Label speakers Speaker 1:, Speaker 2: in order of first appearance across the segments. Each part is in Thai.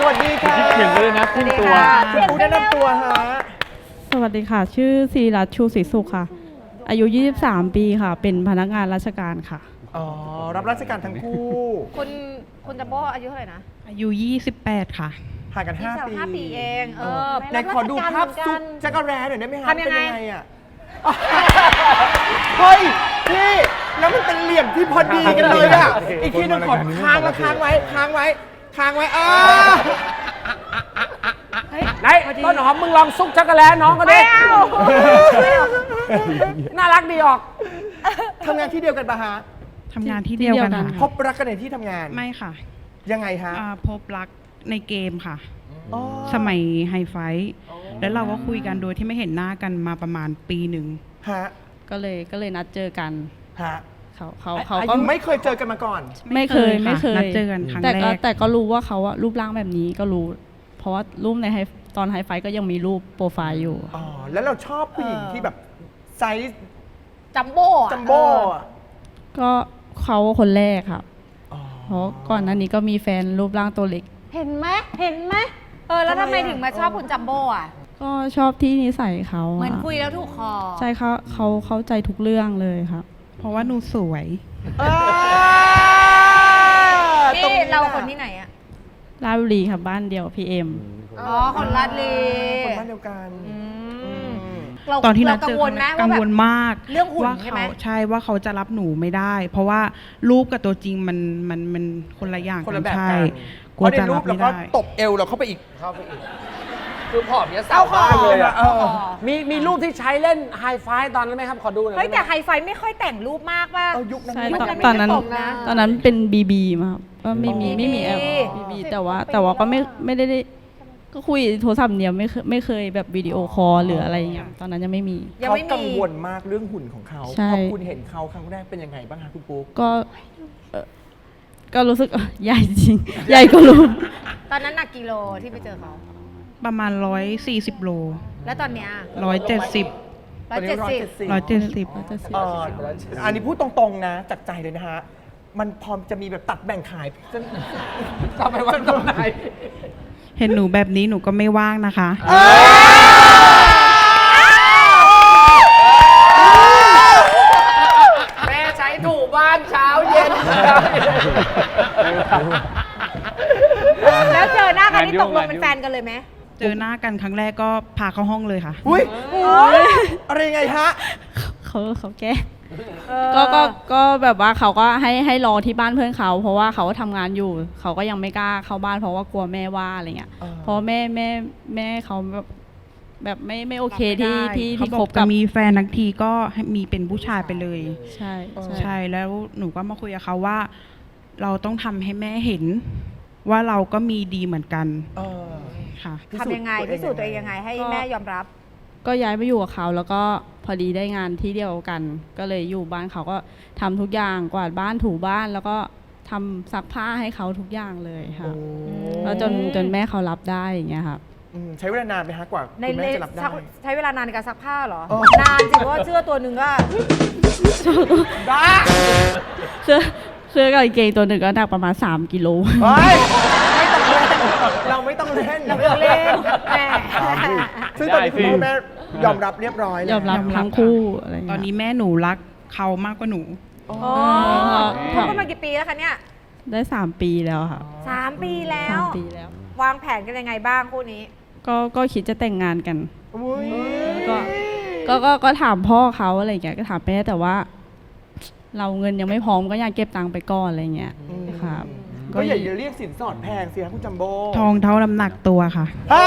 Speaker 1: สวัสดีค่ะ
Speaker 2: คิดถึงเลยนะครึ่งตัว
Speaker 1: คุณปูแนะนำตัวฮะ
Speaker 3: สวัสดีค่ะ ชื่อศิริรัตน์ชูศรีสุขค่ะ อายุ 23 ปีค่ะ เป็นพนักงานราชการค่ะ
Speaker 1: อ๋อ รับราชการทั้งคู่
Speaker 4: คุณจัมโบ้อายุเท่าไหร่นะ
Speaker 5: อายุ 28 ค่ะ
Speaker 1: ห่างกัน 5 ปี
Speaker 4: 5 ปีเอง
Speaker 1: ไหนขอดูภาพซุปจักรแร้หน่อยได้ไหมฮะ
Speaker 4: ทำยังไง
Speaker 1: เป็นยังไงอ่ะ เฮ้ยพี่แล้วมันเป็นเหลี่ยมที่พอดีกันเลยอ่ะ อีกทีหนึงขอค้างแล้วค้างไว้
Speaker 2: ไหนต้นหอมมึงลองซุกช็อกโกแลตน้องก็ได้น่ารักดีออก
Speaker 1: ทำงานที่เดียวกันปะฮะ
Speaker 5: ทำงานที่เดียวกัน
Speaker 3: ที่เดียวกัน
Speaker 5: ค่ะ
Speaker 1: พบรักกันในที่ทำงาน
Speaker 5: ไม่ค่ะ
Speaker 1: ยังไงฮะ
Speaker 5: พบรักในเกมค่ะ
Speaker 1: อ๋อ
Speaker 5: สมัยไฮไฟท์แล้วเราก็คุยกันโดยที่ไม่เห็นหน้ากันมาประมาณปีหนึ่ง
Speaker 1: ฮะ
Speaker 3: ก็เลยนัดเจอกัน
Speaker 1: ฮะ
Speaker 3: เขาก็
Speaker 1: ไม่เคยเจอกันมาก่อน
Speaker 3: ไม่เคย
Speaker 5: นัดเจอกันครั้งแรก
Speaker 3: แต่ก็รู้ว่าเขาอะรูปร่างแบบนี้ก็รู้ เพราะว่ารูปในตอนไฮไฟก็ยังมีรูปโปรไฟล์อยู่
Speaker 1: อ๋อ แล้วเราชอบผู้หญิงที่แบบไซส์
Speaker 4: จัมโบ้อะ
Speaker 1: จัมโบ้อะ
Speaker 3: ก็เขาคนแรกครับ
Speaker 1: อ๋อ
Speaker 3: เพราะก่อนหน้านี้ก็มีแฟนรูปร่างตัวเล็ก
Speaker 4: เห็นไหมแล้วทำไมถึงมาชอบคุณจัมโบ้อะ
Speaker 3: ก็ชอบที่นิสัยเขา
Speaker 4: เหมือน
Speaker 3: อะ
Speaker 4: คุยแล้วถูกคอ
Speaker 3: ใช่เขาเข้าใจทุกเรื่องเลยครับ
Speaker 5: เพราะว่าหนูสวย
Speaker 4: นี่เราคนที่ไหนอะ
Speaker 3: ราชบุรีครับบ้านเดียวพีเอ็ม
Speaker 4: อ๋อ คนลาดลี
Speaker 1: คนบ้านเดียวกัน
Speaker 4: เรา
Speaker 5: ตอนที่นั
Speaker 4: เรา
Speaker 5: ด
Speaker 4: กั
Speaker 5: เจ
Speaker 4: ง
Speaker 5: อ
Speaker 4: ว
Speaker 5: กั
Speaker 4: ล
Speaker 5: น
Speaker 4: ไหม
Speaker 5: กั
Speaker 4: ว่าง แบบ
Speaker 5: วลมาก
Speaker 4: เรื่องหุ่น
Speaker 5: ว่า
Speaker 4: ใช่ไหม
Speaker 5: ใช่ว่าเขาจะรับหนูไม่ได้ เพราะว่ารูปกับตัวจริงมันคนละอย่าง
Speaker 1: คน
Speaker 5: กั
Speaker 1: ละ
Speaker 5: น
Speaker 1: แบบ
Speaker 5: ใช่
Speaker 1: กัน
Speaker 5: กลัว
Speaker 1: เพราะใน
Speaker 5: จะ
Speaker 1: รู
Speaker 5: รั
Speaker 1: ป
Speaker 5: บ
Speaker 1: เรา
Speaker 5: ไม่
Speaker 1: ก็
Speaker 5: ได้
Speaker 1: ตบเอวเราเข้าไปอีก
Speaker 2: คือผอมเนี้ยสาวมากเลยอะ
Speaker 1: เออ
Speaker 2: มีรูปที่ใช้เล่นไฮไฟตอนนั้นไหมครับ ขอดูหน่อย
Speaker 4: เฮ้ย
Speaker 2: ได้ไหม
Speaker 4: แต่ไฮไฟไม่ค่อยแต่งรูปมากป่ะ
Speaker 1: เอายุคนั้น
Speaker 3: ใช่
Speaker 1: ยุค
Speaker 3: ตอนนั้น
Speaker 4: ไม่ตรงนะ
Speaker 3: ตอนนั้นเป็นบีบีมาครับก็ไม่มี
Speaker 4: อ๋อ
Speaker 3: ไม่มีแอป
Speaker 4: BB
Speaker 3: บีบีแต่ว่าก็ไม่ได้ก็คุยโทรศัพท์เดียวไม่เคยแบบวิดีโอคอลหรืออะไรอย่างเงี้ยตอนนั้นยังไม่มี
Speaker 4: ยัง
Speaker 1: เขา
Speaker 4: ไม่
Speaker 1: กัง
Speaker 4: มี
Speaker 1: วลมากเรื่องหุ่นของเขา
Speaker 3: ใช่
Speaker 1: พอคุณเห็นเขาครั้งแรกเป็นยังไงบ้างคะคุณปุ๊ก
Speaker 3: ก็ก็รู้สึกใหญ่จริง ใหญ่ก็รู้
Speaker 4: ตอนนั้นหนักกิโลที่ไปเจอเขา
Speaker 5: ประมาณ 140 โล
Speaker 4: แล้วตอนเนี้ย
Speaker 5: 170
Speaker 4: 170
Speaker 5: 170
Speaker 1: อันนี้พูดตรงๆนะจากใจเลยนะฮะ มันพอจะมีแบบตัดแบ่งขายจะไปวันตรงไหน
Speaker 5: เห็นหนูแบบนี้หนูก็ไม่ว่างนะคะ
Speaker 2: แม่ใช้ถูบ้านเช้าเย็น
Speaker 4: แล้วเจอหน้ากันนี่ตกลงเป็นแฟนกันเลยไหม
Speaker 5: เจอหน้ากันครั้งแรกก็พาเข้าห้องเลยค่ะ
Speaker 1: อุ้ยอะไรยังไงฮะ
Speaker 3: เขาแก้ก็แบบว่าเขาก็ให้รอที่บ้านเพื่อนเขา เพราะว่าเขาก็ทำงานอยู่ เขาก็ยังไม่กล้าเข้าบ้านเพราะว่ากลัวแม่ว่าอะไรเงี้ย
Speaker 1: อ่า
Speaker 3: เพราะแม่เขาแบบไม่โอเคที่
Speaker 5: เขา
Speaker 3: ที่
Speaker 5: บ
Speaker 3: ค
Speaker 5: อบ ก
Speaker 3: กั
Speaker 5: จะ
Speaker 3: บ
Speaker 5: มีแฟนทั้งทีก็ให้มีเป็นผู้ชายไปเลย
Speaker 3: ใช่
Speaker 5: ใช่แล้วหนูก็มาคุยกับเขาว่า เราต้องทำให้แม่เห็น ว่าเราก็มีดีเหมือนกัน
Speaker 1: เออ
Speaker 5: ค่ะ
Speaker 4: ทำยังไงพิสูจน์ตัวเองยังไงให้แม่ยอมรับ
Speaker 3: ก็ย้ายไปอยู่กับเขาแล้วก็พอดีได้งานที่เดียวกัน ก็เลยอยู่บ้านเขาก็ทำทุกอย่างกวาดบ้านถูบ้านแล้วก็ทำซักผ้าให้เขาทุกอย่างเลยค่ะ
Speaker 1: โอ้
Speaker 3: แล้วจนแม่เขารับได้อย่างเงี้ยครับ
Speaker 1: ใช้เวลานานไหมฮะกว่า
Speaker 4: ใน
Speaker 1: คุณแม่จะรับได้
Speaker 4: ใช้เวลานานในการซักผ้าเหรอ
Speaker 1: อ๋อ
Speaker 4: นานสิเพราะว่าเสื้อตัวหนึ่งก็
Speaker 1: บ้า
Speaker 3: เสื้อกับกางเกงตัวหนึ่งก็หนักประมาณ3 กิโล
Speaker 1: เฮ้ยไม่ต้องเล่นเราไม่ต้องเล่น
Speaker 4: เราไม่ต้องเล่นแหม
Speaker 1: ซึ่งตอนนี้คุณพ่อแม่ยอมรับเรียบร้อยแล้ว
Speaker 3: ยอมรับทั้งคู่อะไรอย่าง
Speaker 5: ตอน
Speaker 3: เงี้ย
Speaker 5: นี้แม่หนูรักเขามากกว่าหนู
Speaker 4: โอ้คบกันมากี่ปีแล้วคะเนี่ย
Speaker 3: ได้3 ปีแล้วค่ะ
Speaker 4: 3 ปีแล้ว
Speaker 3: 3 ปีแล้ว
Speaker 4: วางแผนกันยังไงบ้างคู่นี้
Speaker 3: ก็คิดจะแต่งงานกัน
Speaker 1: อุ๊ย
Speaker 3: ก็ถามพ่อเขาอะไรอย่างเงี้ยก็ถามแม่แต่ว่า เราเงินยังไม่พร้อมก็อยากเก็บตังค์ไปก่อนอะไรเงี้ยครับ
Speaker 1: ก็อย่าเรียกสินสอดแพงสิครับคุณจัมโบ้
Speaker 5: ทองเท่าน้ำหนักตัวค่ะ
Speaker 1: อ่า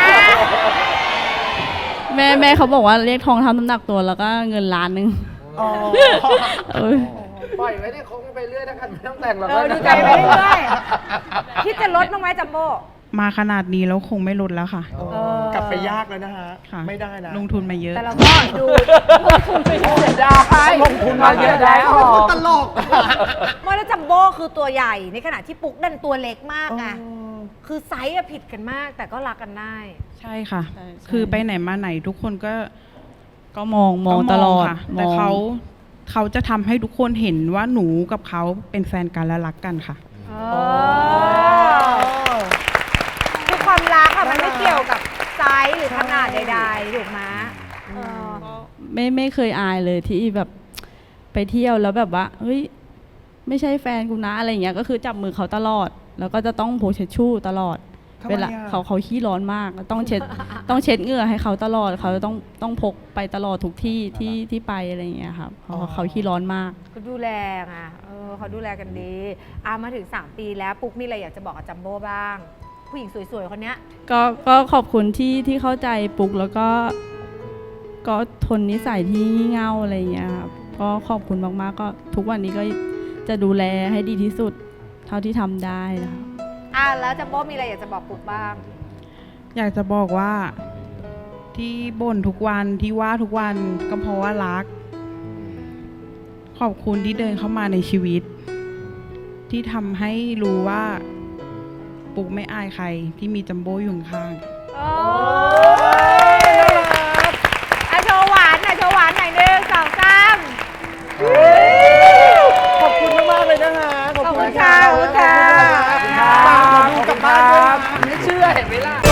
Speaker 3: แม่เขาบอกว่าเรียกทองเท่าน้ำหนักตัวแล้วก็เงิน1 ล้าน
Speaker 1: อ๋อ
Speaker 3: เอ้ย
Speaker 2: ปล่อยไว้ที่คงไปเรื่อยถ้ากันไม่ต้องแต่งหรอก
Speaker 4: ดูใจไปเรื่อยๆคิดจะลดบ้างไหมจัมโบ้
Speaker 5: มาขนาดนี้แล้วคงไม่ลดแล้วค่ะ
Speaker 1: กลับไปยากแล้วนะฮะ
Speaker 5: ค่ะ
Speaker 1: ไม่ได้นะ
Speaker 5: ลงทุนมาเยอะ
Speaker 4: แต่เราก็ดู
Speaker 2: ได้ลงทุนมาเยอะแล้ว
Speaker 1: ตลก
Speaker 4: ไม่แล้วจัมโบ้คือตัวใหญ่ในขณะที่ปุ๊กดันตัวเล็กมากไงคือไซส์อะผิดกันมากแต่ก็รักกันได้
Speaker 5: ใช่ค่ะ
Speaker 3: ใช่
Speaker 5: คือไปไหนมาไหนทุกคนก็
Speaker 3: ก็มองตลอด
Speaker 5: ค่ะ
Speaker 3: ม
Speaker 5: แต่
Speaker 3: อง
Speaker 5: เขาจะทำให้ทุกคนเห็นว่าหนูกับเขาเป็นแฟนกันและรักกันค่ะ
Speaker 4: เออความรักอะมันไม่เกี่ยวกับไซส์หรือขนาดใดๆถูกไหมเออ
Speaker 3: ไม่เคยอายเลยที่แบบไปเที่ยวแล้วแบบว่าเฮ้ยไม่ใช่แฟนกูนะอะไรอย่างเงี้ยก็คือจับมือเขาตลอด แล้วก็จะต้องโพสเช็ดชู่ตลอด
Speaker 1: ทำไม
Speaker 3: เวลา
Speaker 1: อะ
Speaker 3: เขาขี้ร้อนมากต้องเช็ด ต้องเช็ดเหงื่อให้เขาตลอดเขาต้องพกไปตลอดทุกที่ที่ไปอะไรอย่างเงี้ยครับเพราะเขาขี้ร้อนมาก
Speaker 4: เขาดูแลไงเขาดูแลกันดีมาถึง 3 ปีแล้วปุ๊กมีอะไรอยากจะบอกกับจัมโบ้บ้าง ผู้หญิงสวยๆคนเนี้ย
Speaker 3: ก็ขอบคุณที่เข้าใจปุกแล้วก็ทนนิสัยที่งี่เง่าอะไรอย่างเงี้ยครับก็ขอบคุณมากๆก็ทุกวันนี้ก็จะดูแลให้ดีที่สุดเท่าที่ทำได้นะคะ
Speaker 4: แล้วจัมโบ้มีอะไรอยากจะบอกปุ๊กบ้าง
Speaker 5: อยากจะบอกว่าที่บ่นทุกวันที่ว่าทุกวันก็เพราะว่ารัก ขอบคุณที่เดินเข้ามาในชีวิต ที่ทำให้รู้ว่าปุ๊กไม่อายใครที่มีจัมโบ้อยู่ข้าง
Speaker 4: โอ้โชว์หวานหน่อยโชว์หวานหน่อย1 2 3
Speaker 1: ขอบคุณมากๆเลยนะคะ
Speaker 4: ขอบคุณค่ะ
Speaker 1: ขอบคุณค่ะ
Speaker 2: ขอบคุณครับ
Speaker 1: ฝากหมอดูกลับบ้านด้วยนะ
Speaker 2: ไม่เชื่อเห็นไหมล่ะ